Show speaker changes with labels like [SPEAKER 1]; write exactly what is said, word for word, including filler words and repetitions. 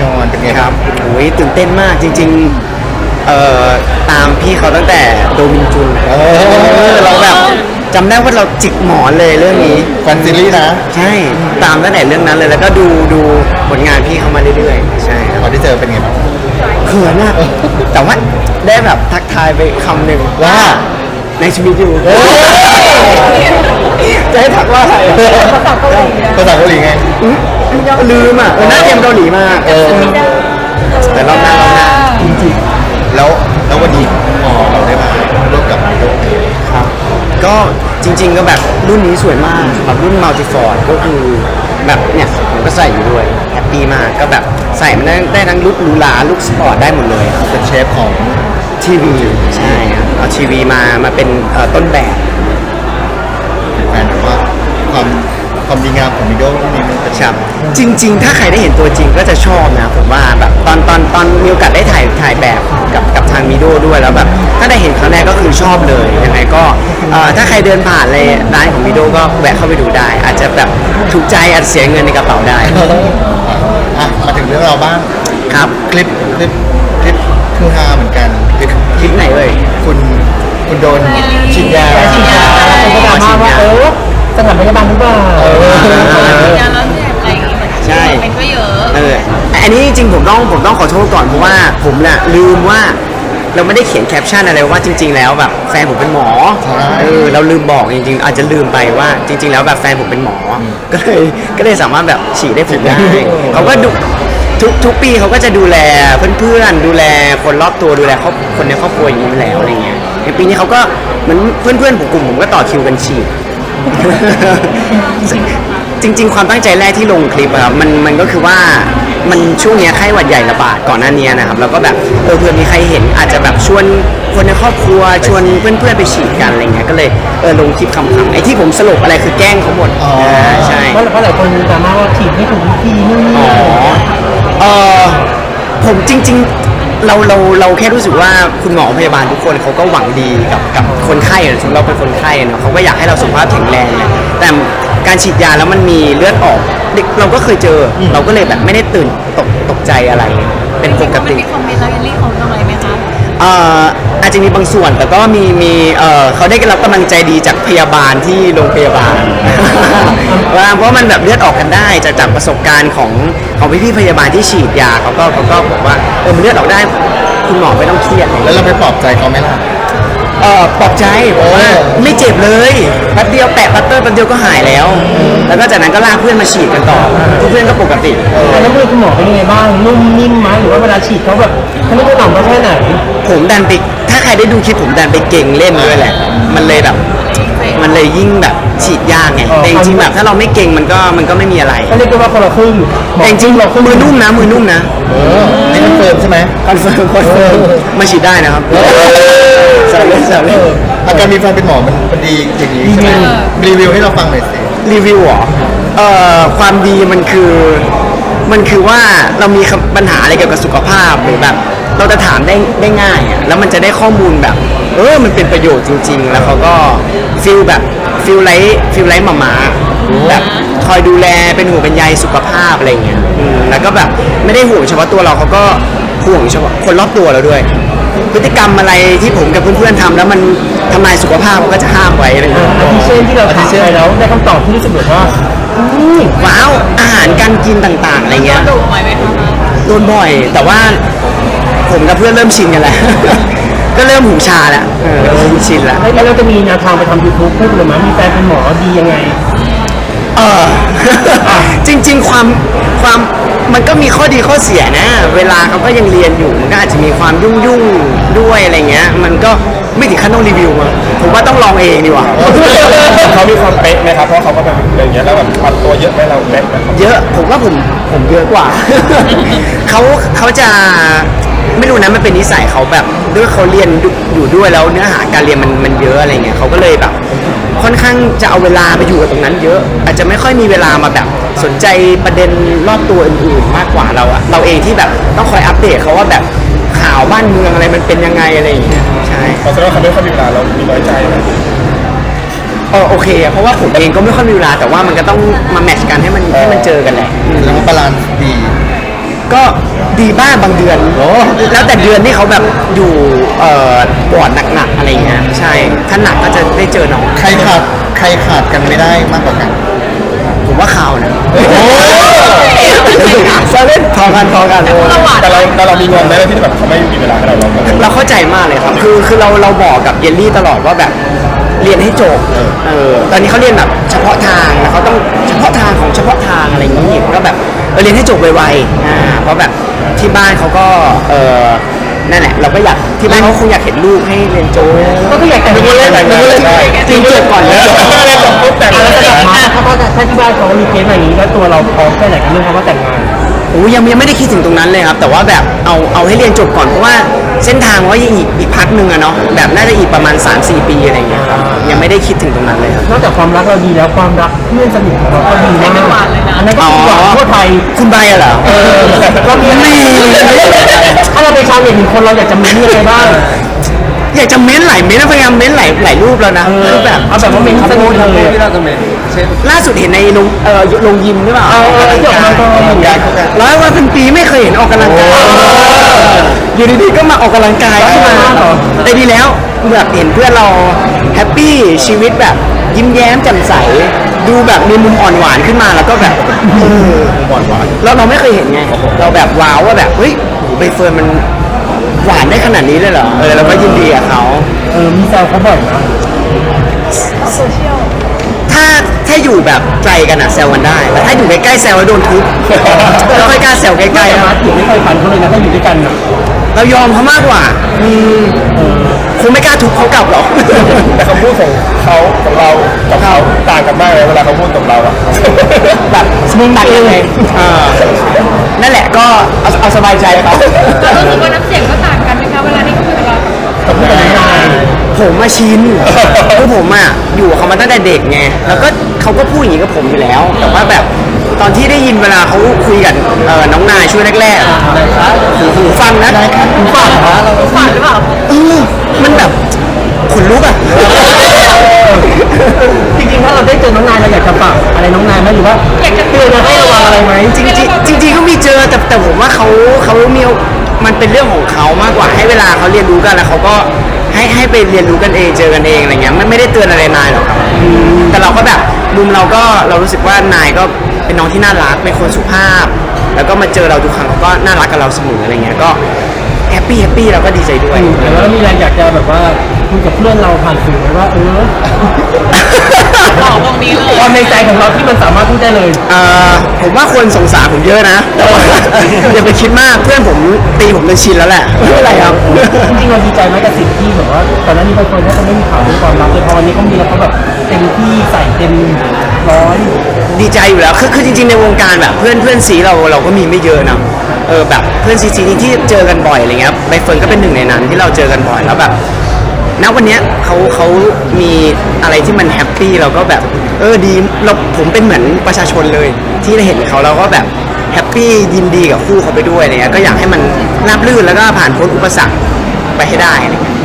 [SPEAKER 1] อนเป็นไงครับ
[SPEAKER 2] โอ้ยตื่นเต้นมากจริงๆเอ่อตามพี่เขาตั้งแต่โดมินจุนเราแบบจำได้ว่าเราจิกหมอนเลยเรื่องนี้
[SPEAKER 1] แฟนซีรีส์นะ
[SPEAKER 2] ใช่ตามตั้งแต่เรื่องนั้นเลยแล้วก็ดูดูผลงานพี่เขามาเรื่อยๆใช่
[SPEAKER 1] พอได้เจอเป็นไงบ้าง
[SPEAKER 2] เขินอะแต่ว่าได้แบบทักทายไปคำหนึ่งว่าในชีวิตอยู่จะให้ทักว่าอะไร
[SPEAKER 1] ภาษาเกาหลีภาษาเกาหลีไง
[SPEAKER 2] ลืมอ่ะน่าเตรียมเกาหลีมากแต่รอบหน้ารอบหน้าจริง
[SPEAKER 1] ๆแล้วแล้ววันนี้พอเราได้มาร่วมกับโด
[SPEAKER 2] ครับก็จริงๆก็แบบรุ่นนี้สวยมากแบบรุ่นมัลติฟอร์ดก็คือแบบเนี่ยผมก็ใส่อยู่ด้วยแฮปปี้มากก็แบบใส่มันได้ได้ทั้งลุคหรูหราลุคสปอร์ตได้หมดเลย
[SPEAKER 1] เป็นเชฟของ
[SPEAKER 2] ทีวีใช่ครับเอาทีวีมามาเป็นต้นแบบ
[SPEAKER 1] แฟนว่าความความดีงามของมิโดนี่มันเป็น
[SPEAKER 2] ครับจริงๆถ้าใครได้เห็นตัวจริงก็จะชอบนะผมว่าแบบตอนตอนตอนมีโอกาสได้ถ่ายถ่ายแบบกับกับทางมิโดด้วยแล้วแบบถ้าได้เห็นครั้งแรกก็คือชอบเลยยังไงก็ถ้าใครเดินผ่านเลยร้านของมิโดก็แวะเข้าไปดูได้อาจจะแบบถูกใจอาจเสียเงินในกระเป๋าได้
[SPEAKER 1] อ่ะมาถึงเรื่องเราบ้าง
[SPEAKER 2] ครับ
[SPEAKER 1] คลิปคลิปคลิปคือฮาเหมือนกันคลิป
[SPEAKER 2] คลิปไหนเอ่ย
[SPEAKER 1] คุณคุณโดนฉีดยา
[SPEAKER 3] ฉีดยาเป็นกระดาษมาว่าเออสถานพยาบาลหรือเปล่าเออฉีดยาแล้วเนี่ยอะไรอย่างเงี้ยใช่เป็นก็เยอะ
[SPEAKER 2] เอออันนี้จริงๆผมต้องผมต้องขอโทษก่อนเพราะว่าผมน่ะลืมว่าเราไม่ได้เขียนแคปชั่นอะไรว่าจริงๆแล้วแบบแฟนผมเป็นหมอเออเราลืมบอกจริงๆอาจจะลืมไปว่าจริงๆแล้วแบบแฟนผมเป็นหมอก็เลยก็เลยสามารถแบบฉีดได้ผมได้เขาก็ดูทุกทุกปีเขาก็จะดูแลเพื่อนๆดูแลคนรอบตัวดูแลครอบคนในครอบครัวอย่างนี้แล้วอะไรเงี้ยในปีนี้เขาก็เหมือนเพื่อนๆผมกลุ่มผมก็ต่อคิวกันฉีดจริงๆความตั้งใจแรกที่ลงคลิปครับมันมันก็คือว่ามันช่วงนี้ไข้หวัดใหญ่ระบาดก่อนหน้านี้นะครับแล้วก็แบบเออเพื่อมีใครเห็นอาจจะแบบชวนคนในครอบครัวชวนเพื่อนๆไปฉีดกันอะไรเงี้ยก็เลยเออลงคลิปคำๆไอ้ที่ผมสรุปอะไรคือแกล้งเขาหมดใช่
[SPEAKER 3] เพราะเพราะหลายคนดราม่าว่าฉีดไม่ถูกวิธีนู่นนี่
[SPEAKER 2] อ๋อเออผมจริงๆเราเราเราแค่รู้สึกว่าคุณหมอพยาบาลทุกคนเขาก็หวังดีกับกับคนไข้สมมติเราเป็นคนไข้เนาะเขาก็อยากให้เราสุขภาพแข็งแรงแต่การฉีดยาแล้วมันมีเลือดออกเด็กเราก็เคยเจอเราก็เลยแบบไม่ได้ตื่นตกตกใจอะไรเป็นปกติ
[SPEAKER 4] มีคอมเมนต์แล้วยันรี่เขาทำอะไรไหมคะ
[SPEAKER 2] เอ่ออาจจะมีบางส่วนแต่ก็มีมีเอ่อเขาได้รับกำลังใจดีจากพยาบาลที่โรงพยาบาลว่าเพราะมันแบบเลือดออกกันได้จากจากประสบการณ์ของของพี่พี่พยาบาลที่ฉีดยาเขาก็เขาก็บอกว่าเออมันเลือดออกได้คุณหมอไม่ต้องเครียด
[SPEAKER 1] แล้วเราไปปลอบใจเขาไหมล่ะ
[SPEAKER 2] เออปลอบใจบอกว่าไม่เจ็บเลยแป๊บเดียวแปะปัตเตอร์แป๊บเดียวก็หายแล้วแล้วก็จากนั้นก็ลากเพื่อนมาฉีดกันต่อเพื่อนก็ปกติ
[SPEAKER 3] แล้วมือคุณหมอเป็นยังไงบ้างนุ่มนิ่มไหมหรือว่าเวลาฉีดเขาแบบเขาไม่ได้หน่อมเขาแค่ไหน
[SPEAKER 2] ผมดันไปถ้าใครได้ดูคลิปผมดันไปเก่งเล่นด้วยแหละมันเลยแบบมันเลยยิ่งแบบฉีดยากไงแต่จริงๆแบบถ้าเราไม่เก่งมันก็มันก็ไม่มีอะไร
[SPEAKER 3] ก็เรียกว่าคนละครึ่ง
[SPEAKER 2] แต่จริงๆมือนุ่มนะมือนุ่มนะ
[SPEAKER 1] นี่คอนเฟิร์มใช่ไหม
[SPEAKER 2] คอนเฟิร์มคอนเฟิร์มมาฉีดได้นะครับสาวเล่นสาวเล่น
[SPEAKER 1] อาการมีแฟนเป็นหมอมันมันดีอย่างนี้ใช่ไหมรีวิวให้เราฟังหน่อยสิ
[SPEAKER 2] รีวิวเหรอเอ่อความดีมันคือมันคือว่าเรามีปัญหาอะไรเกี่ยวกับสุขภาพหรือแบบเราจะถามได้ได้ง่ายอ่ะแล้วมันจะได้ข้อมูลแบบเออมันเป็นประโยชน์จริงๆแล้วเขาก็ฟีลแบบฟีลไลท์ฟีลไลท์หมามาแบบคอยดูแลเป็นห่วงเป็นใยสุขภาพอะไรเงี้ยแล้วก็แบบไม่ได้ห่วงเฉพาะตัวเราเขาก็ห่วงเฉพาะคนรอบตัวเราด้วยพฤติกรรมอะไรที่ผมกับเพื่อนๆทำแล้วมันทำลายสุขภาพเขาก็จะห้ามไว้อะไรเงี้ย
[SPEAKER 3] อาทิเช่นที่เราถามไปแล้วได้คำตอบที่รู้สึกแบบว่า
[SPEAKER 2] ว้าวอาหารการกินต่างๆอะไรเงี้ย
[SPEAKER 4] โดนบ่อยไหมคะ
[SPEAKER 2] โดนบ่อยแต่ว่าผมกับเพื่อนเริ่มชินกันแล้วก็เริ่มหูชาแล้วเริ่มชินแล้ว
[SPEAKER 3] แล้วเราจะมีแนวทางไปทำยูทูบเพื่อหรือมั้ยมีแฟนเป็นหมอดียังไง
[SPEAKER 2] เออจริงๆความความมันก็มีข้อดีข้อเสียนะเวลาเขาก็ยังเรียนอยู่มันก็อาจจะมีความยุ่งยุ่งด้วยอะไรเงี้ยมันก็ไม่ถึงขั้นต้องรีวิวมาผมว่าต้องลองเองดีกว่า
[SPEAKER 1] เขามีความเป๊ะไหมครับเพราะเขาก็แบบอย่างเงี้ยแล้วแบบปัดตัวเยอะไหมเราเป๊ะไหม
[SPEAKER 2] เยอะผมว่าผมผมเยอะกว่าเขาเขาจะไม่รู้นะมันเป็นนิสัยเขาแบบด้วยเขาเรียนอยู่ด้วยแล้วเนื้อหาการเรียนมันมันเยอะอะไรเงี้ยเขาก็เลยแบบค่อนข้างจะเอาเวลาไปอยู่กับตรงนั้นเยอะอาจจะไม่ค่อยมีเวลามาแบบสนใจประเด็นรอบตัวอื่นๆมากกว่าเราอะเราเองที่แบบต้องคอยอัปเดตเขาว่าแบบข่าวบ้านเมืองอะไรมันเป็นยังไงอะไรอย่างเงี้ยใช่
[SPEAKER 1] เพราะฉะนั้นเขาไม่ค่อยมีเวลาเรามีน้อยใจไหม
[SPEAKER 2] เออโอเคเพราะว่าผมเองก็ไม่ค่อยมีเวลาแต่ว่ามันก็ต้องมาแมทช์กันให้มันให้มันเจอกันแหละ
[SPEAKER 1] แล้วก็บาลานซ์ดี
[SPEAKER 2] ก็ดีบ้างบางเดือนแล้วแต่เดือนที่เขาแบบอยู่เอ่อบอร์ดหนักๆอะไรเงี้ยใช่ถ้าหนักก็จะได้เจอน้อง
[SPEAKER 1] ใครขาดใครขาดกันไม่ได้มากกว่ากัน
[SPEAKER 2] ผมว่าข่าวนะ
[SPEAKER 1] โอ้
[SPEAKER 2] ซาเล่นพอกันพอกัน
[SPEAKER 5] แต่เราแต่เรามีงอนไหมที่แบบเขาไม่มีเวลาให้เราเรา
[SPEAKER 2] เราเข้าใจมากเลยครับ คือคือเราเราบอกกับเยลลี่ตลอดว่าแบบเรียนให้จบเออตอนนี้เขาเรียนแบบเฉพาะทางแล้วเขาต้องเฉพาะทางของเฉพาะทางอะไรอย่างนี้ก็แบบเออเรียนให้จบไวๆอ่าเพราะแบบที่บ้านเขาก็เออนั่นแหละเราก็อยากที่บ้านเขาคงอยากเห็นลูกให้เรียนจบ
[SPEAKER 3] ก็คืออยากแต่งงานเลยแต่งงานเลย
[SPEAKER 2] จริงจบก่อนเลย
[SPEAKER 3] แต่แล้วจะกลับมาถ้าเขาถ้าที่บ้านเขามีเคสอะไรอย่างนี้แล้วตัวเราพร้อมแค่ไหนกับเรื่องเขาว่าแต่งงาน
[SPEAKER 2] โอ้ยังยังไม่ได้คิดถึงตรงนั้นเลยครับ แต่ว่าแบบเอาเอาให้เรียนจบก่อนเพราะว่าเส้นทางว่ายังอีกอีกพักหนึ่งอะเนาะแบบน่าจะอีกประมาณ สามสี่ ปีอะไรอย่างเงี้ยครับยังไม่ได้คิดถึงตรงนั้นเลยครับ
[SPEAKER 3] นอกจากความรักเราดีแล้วความรักเพื่อนสนิทของเราก็ดีมากอันนั้นก็คือหวานทั่วไทย
[SPEAKER 2] คุณใบอะเหรอ
[SPEAKER 3] เออเรามีไม่ถ้าเราเป็นชาวเน็ตหนึ่งคนเราอยากจะมีอะไรบ้าง
[SPEAKER 2] อยากจะเม้นหลายเม้นแล้วพยายามเม้นหลายหลายรูปแล้วนะคือแบบ
[SPEAKER 3] เอาแบบว่าเป็นสนิทเลย
[SPEAKER 5] ที่เราจะเมนเช่น
[SPEAKER 2] ล่าสุดเห็นในลงเอ่อลงยิมหรือเปล่า
[SPEAKER 3] เออเออที่ออกกำลังกาย
[SPEAKER 2] ร้อยวันเป็นปีไม่เคยเห็นออกกำลังกายอยู่ดีๆก็มาออกกำลังกายขึ้นมาแต่ดีแล้วแบบเห็นเพื่อนเราแฮปปี้ชีวิตแบบยิ้มแย้มแจ่มใสดูแบบมีมุมอ่อนหวานขึ้นมาแล้วก็แบบเออ
[SPEAKER 1] หวานหวาน
[SPEAKER 2] เราเราไม่เคยเห็นไง เราแบบว้าวว่าแบบเฮ้ยโหใบเฟิร์นมันหวานได้ขนาดนี้เลยเหรอเออเราก็ยินดีกับเขา
[SPEAKER 3] เออมีแซวเขาบ่อยนะ
[SPEAKER 2] ถ้าถ้าอยู่แบบไกลกันอะแซวกันได้ แต่ถ้าอยู่ใกล้ๆแซวแล้วโดนทุบเราไม่กล้าแซวใก
[SPEAKER 3] ใกล้
[SPEAKER 2] ล้ๆ
[SPEAKER 3] ๆ
[SPEAKER 2] นะ
[SPEAKER 3] นะอยู่ไม่เคยฝันเขาเลยนะถ้าอยู่ด้วยกันนะ
[SPEAKER 2] เรายอมเขามากกว่าอืมคงไม่กล้าทุบเขากลับหรอก
[SPEAKER 5] แต่คำพูดของเขาของเรากับเขาต่างกันมากเลยเวลาเขาพูดกับเราอะ
[SPEAKER 2] แบบมึงตัดยังไงอ่านั่นแหละก็เอาเอาสบายใจครับ
[SPEAKER 4] เรารู้สึกว่าน้ำเสียงก็ต่างกันไหมคะเวลาที่เขาคุยกับเรา
[SPEAKER 5] กับผู้ใหญ่
[SPEAKER 2] ผมมาชินคือผมอ่ะอยู่กับเขามาตั้งแต่เด็กไง แล้วก็เขาก็พูดอย่างนี้กับผมอยู่แล้ว แต่ว่าแบบตอนที่ได้ยินเวลาเขาคุยกับเอ่อน้องนายช่วงแรกๆอะหูหูฟังนะหูฟังเหรอ
[SPEAKER 4] เราฝันหรือเปล่า
[SPEAKER 2] เออมันแบบขนลุกอ่ะ
[SPEAKER 3] จริงๆถ้าเราได้เจอน้องนายเราอยากจะฝากอะไรน้องนายไหมหรือว่าอยากจะเตือนเราให้ระวังอะไรไหม
[SPEAKER 2] จริงๆจริงๆก็มีเจอแต่แต่ผมว่าเขาเขามีมันเป็นเรื่องของเขามากกว่าให้เวลาเขาเรียนรู้กันแล้วเขาก็ให้ให้ไปเรียนรู้กันเองเจอกันเองอะไรเงี้ยไม่ไม่ได้เตือนอะไรนายหรอกครับแต่เราก็แบบมุมเราก็เรารู้สึกว่านายก็เป็นน้องที่น่ารักเป็นคนสุภาพ แล้วก็มาเจอเราทุกครั้งเขาก็น่ารักกับเราเสมออะไรเงี้ยก็แฮปปี้แฮปปี้เราก็ดีใจด้วย
[SPEAKER 3] แต่ว่ามีอะไรอยากจะแบบว่าคุยกับเพื่อนเราผ่านสื่อไหมว่าเออ
[SPEAKER 4] บอกตรงนี้เลย
[SPEAKER 3] ความในใจของเราที่มันสามารถพูดได้เลย
[SPEAKER 2] เอ่อผมว่าคนสงสารผมเยอะนะแต่ว่าอย่าไปคิดมากเพื่อนผมตีผมจนชินแล้วแหละไม่เป็นไรครับ
[SPEAKER 3] จริงๆเราดีใจไหมกับสิ่งที่แบบว่าตอนนั้นมีบางคนเขาไม่มีข่าวเรื่องความรักเลยพอวันนี้เขามีแล้วเขาแบบเต็มที่ใส่เต็มร้อย
[SPEAKER 2] ดีใจอยู่แล้วคือคือจริงๆในวงการแบบเพื่อนเพื่อนซีเราเราก็มีไม่เยอะนะเออแบบเพื่อนซีซีที่เจอกันบ่อยอะไรเงี้ยใบเฟิร์นก็เป็นหนึ่งในนั้นที่เราเจอกันบ่อยแล้วแบบณวันเนี้ยเขาเขามีอะไรที่มันแฮปปี้เราก็แบบเออดีเราผมเป็นเหมือนประชาชนเลย ที่ได้เห็นเขาเราก็แบบแฮปปี้ยินดีกับคู่เขาไปด้วยอะไรเงี้ยก็อยากให้มันราบรื่นแล้วก็ผ่านพ้นอุปสรรคไปให้ได้อะไรเงี้ย